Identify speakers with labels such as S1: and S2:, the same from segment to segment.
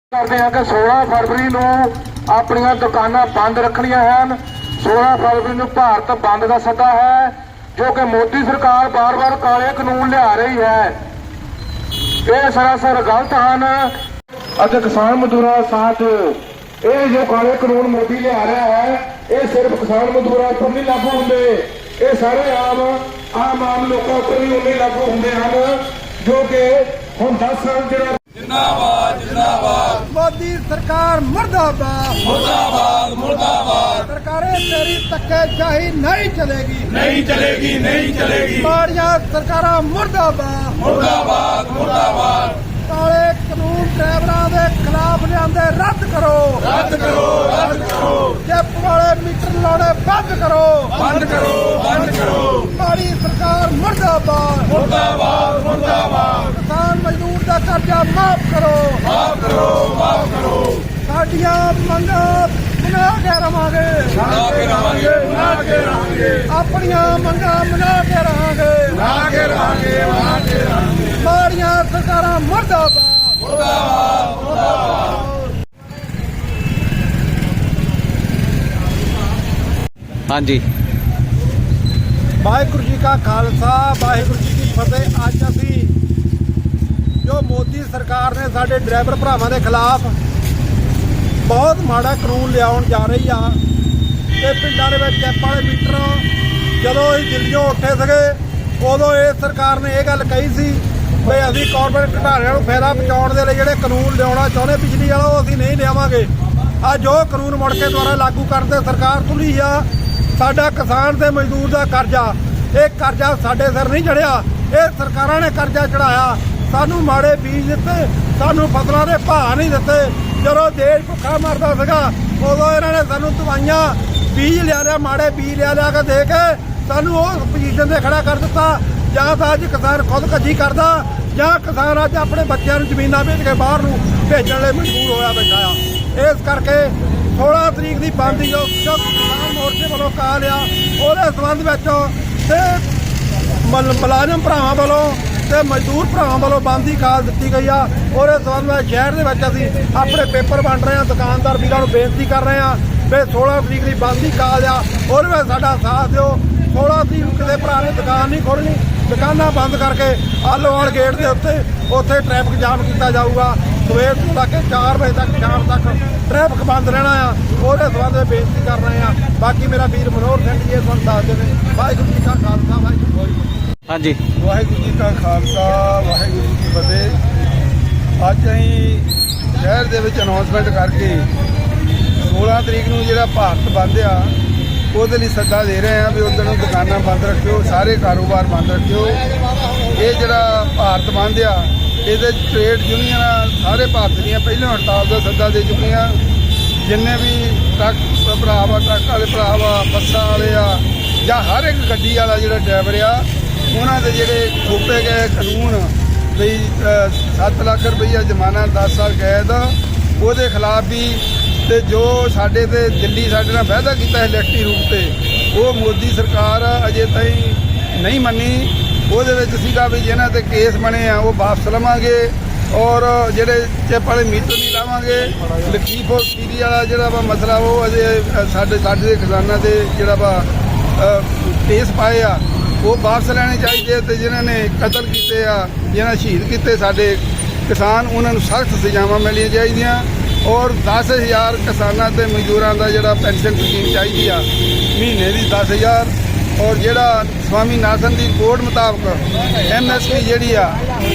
S1: ਕਰਦੇ ਹਾਂ कि 16 फरवरी ਨੂੰ ਆਪਣੀਆਂ ਦੁਕਾਨਾਂ ਬੰਦ ਰੱਖਣੀਆਂ ਹਨ। 16 फरवरी ਨੂੰ ਭਾਰਤ ਬੰਦ ਦਾ ਸੱਦਾ ਹੈ ਜੋ ਕਿ ਮੋਦੀ ਸਰਕਾਰ ਬਾਰ-ਬਾਰ ਕਾਲੇ ਕਾਨੂੰਨ ਲਿਆ ਰਹੀ ਹੈ। ਇਹ ਸਰਾਸਰ ਗਲਤ ਹਨ ਅਤੇ ਕਿਸਾਨ ਮਜ਼ਦੂਰਾਂ ਦਾ ਸਾਥ ਇਹ ਜੋ ਕਾਲੇ ਕਾਨੂੰਨ ਮੋਦੀ ਲਿਆ ਰਿਹਾ ਹੈ ਇਹ ਸਿਰਫ ਕਿਸਾਨ ਮਜ਼ਦੂਰਾਂ ਉੱਪਰ ਨਹੀਂ ਲਾਗੂ ਹੁੰਦੇ, ਇਹ ਸਾਰੇ ਆਮ ਲੋਕਾਂ ਉੱਪਰ ਵੀ ਉਨੇ ਲਾਗੂ ਹੁੰਦੇ ਹਨ ਜੋ ਕਿ ਹੁਣ 10 ਸਾਲ ਜਿਹੜਾ
S2: जिंदाबाद जिंदाबाद
S3: मोदी सरकार मुर्दाबाद
S2: मुर्दाबाद मुर्दाबाद
S3: सरकारें तेरी धक्केशाही नहीं चलेगी
S2: नहीं चलेगी नहीं चलेगी
S3: माड़ियां सरकारां मुर्दाबाद
S2: मुर्दाबाद मुर्दाबाद
S3: काले कानून ड्राइवरां दे खिलाफ लिआंदे रद्द करो
S2: रद्द करो रद्द करो
S3: चिप वाले मीटर लाने बंद करो
S2: बंद करो बंद करो
S3: माड़ी सरकार मुर्दाबाद
S2: मुर्दाबाद मुर्दाबाद
S3: किसान मजदूर दा कर्जा माफ करो
S2: माफ करो माफ करो
S3: साडियां मंगां मना के रवांगे
S2: मना के रहांगे मना के रहांगे
S3: अपनियां मंगां मना के रहांगे
S2: मना के रहांगे मना के रहांगे
S3: माड़ियां सरकारां मुर्दाबाद
S2: मुर्दाबाद मुर्दाबाद
S4: हाँ जी
S3: ਵਾਹਿਗੁਰੂ ਜੀ ਕਾ ਖਾਲਸਾ ਵਾਹਿਗੁਰੂ ਜੀ ਕੀ ਫਤਿਹ। ਅੱਜ ਅਸੀਂ ਜੋ ਮੋਦੀ ਸਰਕਾਰ ਨੇ ਸਾਡੇ ਡਰਾਈਵਰ ਭਰਾਵਾਂ ਦੇ ਖਿਲਾਫ ਬਹੁਤ ਮਾੜਾ ਕਾਨੂੰਨ ਲਿਆਉਣ ਜਾ ਰਹੀ ਆ ਤੇ ਪਿੰਡਾਂ ਦੇ ਵਿੱਚ ਚੈਪ ਵਾਲੇ ਮੀਟਰ ਜਦੋਂ ਅਸੀਂ ਦਿੱਲੀੋਂ ਉੱਠੇ ਸੀਗੇ ਉਦੋਂ ਇਹ ਸਰਕਾਰ ਨੇ ਇਹ ਗੱਲ ਕਹੀ ਸੀ ਵੀ ਅਸੀਂ ਕਾਰਪੋਰੇਟ ਘਟਾਰਿਆਂ ਨੂੰ ਫਾਇਦਾ ਪਹੁੰਚਾਉਣ ਦੇ ਲਈ ਜਿਹੜੇ ਕਾਨੂੰਨ ਲਿਆਉਣਾ ਚਾਹੁੰਦੇ ਬਿਜਲੀ ਵਾਲਾ ਉਹ ਅਸੀਂ ਨਹੀਂ ਲਿਆਵਾਂਗੇ। ਅੱਜ ਜੋ ਕਾਨੂੰਨ ਮੁੜ ਕੇ ਦੁਆਰਾ ਲਾਗੂ ਕਰਨ ਤੇ ਸਰਕਾਰ ਤੁਲੀ ਆ। ਸਾਡਾ ਕਿਸਾਨ ਤੇ ਮਜ਼ਦੂਰ ਦਾ ਕਰਜ਼ਾ, ਇਹ ਕਰਜ਼ਾ ਸਾਡੇ ਸਿਰ ਨਹੀਂ ਚੜਿਆ, ਇਹ ਸਰਕਾਰਾਂ ਨੇ ਕਰਜ਼ਾ ਚੜਾਇਆ। ਸਾਨੂੰ ਮਾੜੇ ਬੀਜ ਦਿੱਤੇ, ਸਾਨੂੰ ਫਸਲਾਂ ਦੇ ਭਾਅ ਨਹੀਂ ਦਿੱਤੇ। ਜਦੋਂ ਦੇਸ਼ ਭੁੱਖਾ ਮਰਦਾ ਸੀਗਾ ਉਦੋਂ ਇਹਨਾਂ ਨੇ ਸਾਨੂੰ ਦਵਾਈਆਂ ਬੀਜ ਲਿਆ ਮਾੜੇ ਬੀਜ ਲਿਆ ਕੇ ਦੇ ਕੇ ਸਾਨੂੰ ਉਸ ਪੋਜੀਸ਼ਨ ਤੇ ਖੜਾ ਕਰ ਦਿੱਤਾ। ਜਾਂ ਤਾਂ ਅੱਜ ਕਿਸਾਨ ਖੁਦਕਸ਼ੀ ਕਰਦਾ ਜਾਂ ਕਿਸਾਨ ਅੱਜ ਆਪਣੇ ਬੱਚਿਆਂ ਨੂੰ ਜ਼ਮੀਨਾਂ ਵੇਚ ਕੇ ਬਾਹਰ ਨੂੰ ਭੇਜਣ ਲਈ ਮਜਬੂਰ ਹੋਇਆ ਬੈਠਾ ਆ। ਇਸ ਕਰਕੇ 16 ਤਰੀਕ ਦੀ ਬੰਦ ਜੋ ਕਿਸਾਨ ਮੋਰਚੇ ਵੱਲੋਂ ਕਾਲ ਆ ਉਹਦੇ ਸੰਬੰਧ ਵਿੱਚ ਤੇ ਮੁਲਾਜ਼ਮ ਭਰਾਵਾਂ ਵੱਲੋਂ ਤੇ ਮਜ਼ਦੂਰ ਭਰਾਵਾਂ ਵੱਲੋਂ ਬੰਦ ਦੀ ਕਾਲ ਦਿੱਤੀ ਗਈ ਆ। ਉਹਦੇ ਸੰਬੰਧ ਵਿੱਚ ਸ਼ਹਿਰ ਦੇ ਵਿੱਚ ਅਸੀਂ ਆਪਣੇ ਪੇਪਰ ਵੰਡ ਰਹੇ ਹਾਂ। ਦੁਕਾਨਦਾਰ ਵੀਰਾਂ ਨੂੰ ਬੇਨਤੀ ਕਰ ਰਹੇ ਹਾਂ ਵੀ 16 ਤਰੀਕ ਦੀ ਬੰਦ ਦੀ ਕਾਲ ਆ, ਉਹਦੇ ਵਿੱਚ ਸਾਡਾ ਸਾਥ ਦਿਓ। 16 ਤਰੀਕ ਨੂੰ ਕਿਸੇ ਭਰਾ ਨੇ ਦੁਕਾਨ ਨਹੀਂ ਖੋਲ੍ਹਣੀ, ਦੁਕਾਨਾਂ ਬੰਦ ਕਰਕੇ ਆਲੋਵਾਲ ਗੇਟ ਦੇ ਉੱਥੇ ਟ੍ਰੈਫਿਕ ਜਾਮ ਕੀਤਾ ਜਾਊਗਾ। ਸਵੇਰ ਤੋਂ ਲੈ ਕੇ 4 ਵਜੇ ਤੱਕ ਸ਼ਾਮ ਤੱਕ ਟ੍ਰੈਫਿਕ ਬੰਦ ਰਹਿਣਾ ਆ। ਉਹਦੇ ਸੰਬੰਧ ਵਿੱਚ ਬੇਨਤੀ ਕਰ ਰਹੇ ਹਾਂ। ਬਾਕੀ ਮੇਰਾ ਵੀਰ ਮਨੋਹਰ ਸਿੰਘ ਜੀ ਇਹ ਤੁਹਾਨੂੰ ਦੱਸਦੇ ਨੇ। ਵਾਹਿਗੁਰੂ ਜੀ ਕਾ ਖਾਲਸਾ ਵਾਹਿਗੁਰੂ ਜੀ
S4: हाँ जी
S3: ਵਾਹਿਗੁਰੂ ਜੀ ਕਾ ਖਾਲਸਾ ਵਾਹਿਗੁਰੂ ਜੀ ਕੀ ਫਤਿਹ। ਅੱਜ ਅਸੀਂ ਸ਼ਹਿਰ ਦੇ ਵਿੱਚ ਅਨਾਉਂਸਮੈਂਟ ਕਰਕੇ 16 ਤਰੀਕ ਨੂੰ ਜਿਹੜਾ ਭਾਰਤ ਬੰਦ ਆ ਉਹਦੇ ਲਈ ਸੱਦਾ ਦੇ ਰਹੇ ਆ ਵੀ ਉਦੋਂ ਨੂੰ ਦੁਕਾਨਾਂ ਬੰਦ ਰੱਖਿਓ, ਸਾਰੇ ਕਾਰੋਬਾਰ ਬੰਦ ਰੱਖਿਓ। ਇਹ ਜਿਹੜਾ ਭਾਰਤ ਬੰਦ ਆ ਇਹਦੇ ਟ੍ਰੇਡ ਯੂਨੀਅਨਾਂ ਸਾਰੇ ਭਾਰਤ ਦੀਆਂ ਪਹਿਲਾਂ ਹੜਤਾਲ ਦਾ ਸੱਦਾ ਦੇ ਚੁੱਕੀਆਂ। ਜਿੰਨੇ ਵੀ ਟਰੱਕ ਭਰਾ ਵਾ, ਟਰੱਕ ਵਾਲੇ ਭਰਾ ਵਾ, ਬੱਸਾਂ ਵਾਲੇ ਆ ਜਾਂ ਹਰ ਇੱਕ ਗੱਡੀ ਵਾਲਾ ਜਿਹੜਾ ਡਰਾਈਵਰ ਆ ਉਹਨਾਂ ਦੇ ਜਿਹੜੇ ਥੋਪੇ ਗਏ ਕਾਨੂੰਨ ਵੀ 7 ਲੱਖ ਰੁਪਈਆ ਜੁਰਮਾਨਾ 10 ਸਾਲ ਕੈਦ ਉਹਦੇ ਖਿਲਾਫ ਵੀ ਤੇ ਜੋ ਸਾਡੇ ਤੇ ਦਿੱਲੀ ਸਾਡੇ ਨਾਲ ਵਾਅਦਾ ਕੀਤਾ ਹੈ ਇਲੈਕਟ੍ਰਿਕ ਰੂਪ ਤੇ ਉਹ ਮੋਦੀ ਸਰਕਾਰ ਅਜੇ ਤਾਈਂ ਨਹੀਂ ਮੰਨੀ। ਉਹਦੇ ਵਿੱਚ ਸੀਗਾ ਵੀ ਜਿਹਨਾਂ ਤੇ ਕੇਸ ਬਣੇ ਆ ਉਹ ਵਾਪਸ ਲਵਾਂਗੇ ਔਰ ਜਿਹੜੇ ਚਿੱਪ ਵਾਲੇ ਮੀਟਰ ਨਹੀਂ ਲਾਵਾਂਗੇ। ਲਖੀਪੁਰ ਸੀਰੀ ਵਾਲਾ ਜਿਹੜਾ ਵਾ ਮਸਲਾ ਉਹ ਅਜੇ ਸਾਡੇ ਖਜ਼ਾਨਾ ਦੇ ਜਿਹੜਾ ਵਾ ਕੇਸ ਪਾਏ ਆ ਉਹ ਵਾਪਸ ਲੈਣੇ ਚਾਹੀਦੇ ਤੇ ਜਿਨ੍ਹਾਂ ਨੇ ਕਤਲ ਕੀਤੇ ਆ, ਜਿਹਨਾਂ ਸ਼ਹੀਦ ਕੀਤੇ ਸਾਡੇ ਕਿਸਾਨ ਉਹਨਾਂ ਨੂੰ ਸਖਤ ਸਜ਼ਾਵਾਂ ਮਿਲਣੀਆਂ ਚਾਹੀਦੀਆਂ ਔਰ 10,000 ਕਿਸਾਨਾਂ ਤੇ ਮਜ਼ਦੂਰਾਂ ਦਾ ਜਿਹੜਾ ਪੈਨਸ਼ਨ ਸਕੀਮ ਚਾਹੀਦੀ ਆ ਮਹੀਨੇ ਦੀ 10,000 ਔਰ ਜਿਹੜਾ ਸਵਾਮੀਨਾਥਨ ਦੀ ਕੋਡ ਮੁਤਾਬਕ MSP ਜਿਹੜੀ ਆ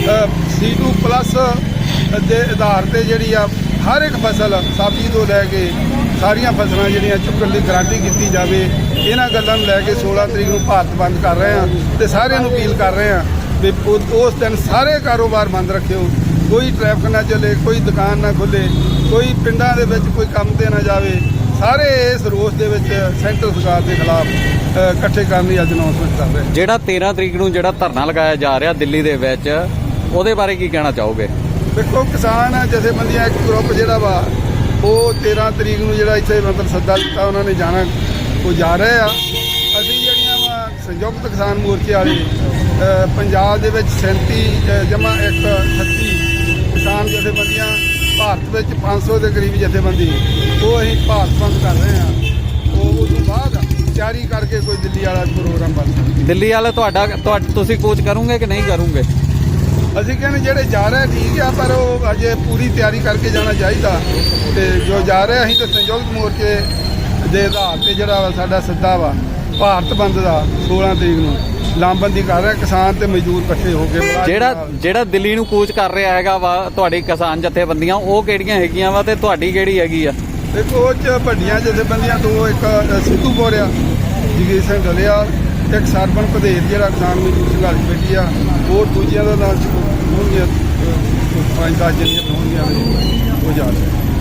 S3: C2+ ਦੇ ਆਧਾਰ ਤੇ ਜਿਹੜੀ ਆ ਹਰ ਇੱਕ ਫਸਲ ਸਬਜ਼ੀ ਤੋਂ ਲੈ ਕੇ ਸਾਰੀਆਂ ਫਸਲਾਂ ਜਿਹੜੀਆਂ ਚੁੱਕਣ ਦੀ ਗਾਰੰਟੀ ਕੀਤੀ ਜਾਵੇ। ਇਹਨਾਂ ਗੱਲਾਂ ਨੂੰ ਲੈ ਕੇ 16 ਤਰੀਕ ਨੂੰ ਭਾਰਤ ਬੰਦ ਕਰ ਰਹੇ ਹਾਂ ਤੇ ਸਾਰਿਆਂ ਨੂੰ ਅਪੀਲ ਕਰ ਰਹੇ ਹਾਂ ਵੀ ਉਸ ਦਿਨ ਸਾਰੇ ਕਾਰੋਬਾਰ ਬੰਦ ਰੱਖਿਓ, ਕੋਈ ਟ੍ਰੈਫਿਕ ਨਾ ਚੱਲੇ, ਕੋਈ ਦੁਕਾਨ ਨਾ ਖੁੱਲੇ, ਕੋਈ ਪਿੰਡਾਂ ਦੇ ਵਿੱਚ ਕੋਈ ਕੰਮ ਤੇ ਨਾ ਜਾਵੇ। ਸਾਰੇ ਇਸ ਰੋਸ ਦੇ ਵਿੱਚ ਸੈਂਟਰ ਸਰਕਾਰ ਦੇ ਖਿਲਾਫ ਇਕੱਠੇ ਕਰਨ ਦੀ ਅੱਜ ਅਨਾਉਂਸਮੈਂਟ ਕਰ ਰਹੇ।
S4: ਜਿਹੜਾ 13 ਤਰੀਕ ਨੂੰ ਜਿਹੜਾ ਧਰਨਾ ਲਗਾਇਆ ਜਾ ਰਿਹਾ ਦਿੱਲੀ ਦੇ ਵਿੱਚ ਉਹਦੇ ਬਾਰੇ ਕੀ ਕਹਿਣਾ ਚਾਹੋਗੇ?
S3: ਦੇਖੋ ਕਿਸਾਨ ਜਥੇਬੰਦੀਆਂ ਇੱਕ ਗਰੁੱਪ ਜਿਹੜਾ ਵਾ ਉਹ 13 ਤਰੀਕ ਨੂੰ ਜਿਹੜਾ ਇੱਥੇ ਮਤਲਬ ਸੱਦਾ ਦਿੱਤਾ ਉਹਨਾਂ ਨੇ ਜਾਣਾ ਉਹ ਜਾ ਰਹੇ ਆ। ਅਸੀਂ ਜਿਹੜੀਆਂ ਵਾ ਸੰਯੁਕਤ ਕਿਸਾਨ ਮੋਰਚੇ ਵਾਲੇ ਪੰਜਾਬ ਦੇ ਵਿੱਚ 37 ਜਮਾ 138 ਕਿਸਾਨ ਜਥੇਬੰਦੀਆਂ ਭਾਰਤ ਵਿੱਚ 500 ਦੇ ਕਰੀਬ ਜਥੇਬੰਦੀ ਉਹ ਅਸੀਂ ਭਾਰਤ ਬੰਦ ਕਰ ਰਹੇ ਹਾਂ। ਉਹ ਤੋਂ ਬਾਅਦ ਤਿਆਰੀ ਕਰਕੇ ਕੋਈ ਦਿੱਲੀ ਵਾਲਾ ਪ੍ਰੋਗਰਾਮ ਬਣ ਸਕਦਾ।
S4: ਦਿੱਲੀ ਵਾਲਾ ਤੁਹਾਡਾ ਤੁਸੀਂ ਕੂਚ ਕਰੋਗੇ ਕਿ ਨਹੀਂ ਕਰੋਗੇ?
S3: ਅਸੀਂ ਕਹਿੰਦੇ ਜਿਹੜੇ ਜਾ ਰਹੇ ਠੀਕ ਆ, ਪਰ ਉਹ ਅਜੇ ਪੂਰੀ ਤਿਆਰੀ ਕਰਕੇ ਜਾਣਾ ਚਾਹੀਦਾ। ਤੇ ਜੋ ਜਾ ਰਹੇ ਅਸੀਂ ਤਾਂ ਸੰਯੁਕਤ ਮੋਰਚੇ ਦੇ ਆਧਾਰ ਤੇ ਜਿਹੜਾ ਸਾਡਾ ਸੱਦਾ ਵਾ ਭਾਰਤ ਬੰਦ ਦਾ 16 ਤਰੀਕ ਨੂੰ ਲਾਮਬੰਦੀ ਕਰ ਰਹੇ ਕਿਸਾਨ ਤੇ ਮਜ਼ਦੂਰ ਇਕੱਠੇ ਹੋ ਕੇ।
S4: ਜਿਹੜਾ ਦਿੱਲੀ ਨੂੰ ਕੂਚ ਕਰ ਰਿਹਾ ਹੈਗਾ ਵਾ ਤੁਹਾਡੀ ਕਿਸਾਨ ਜਥੇਬੰਦੀਆਂ, ਉਹ ਕਿਹੜੀਆਂ ਹੈਗੀਆਂ ਵਾ ਤੇ ਤੁਹਾਡੀ ਕਿਹੜੀ ਹੈਗੀ ਆ?
S3: ਦੇਖੋ ਉਹ 'ਚ ਵੱਡੀਆਂ ਜਥੇਬੰਦੀਆਂ ਦੋ, ਇੱਕ ਸਿੱਧੂਪੁਰ ਆ ਜਗੀਰ ਸਿੰਘ ਡਲਿਆ, ਇੱਕ ਸਰਬਨ ਭਦੇਰ ਜਿਹੜਾ ਕਿਸਾਨ ਮਜ਼ਦੂਰ ਸੰਘਰਸ਼ ਕਮੇਟੀ ਆ, ਹੋਰ ਦੂਜਿਆਂ ਦਾ ਨਾਮ ਹੋਣਗੀਆਂ 5-10 ਜਿਹੜੀਆਂ ਹੋਣਗੀਆਂ ਉਹ ਜਾ ਰਹੇ।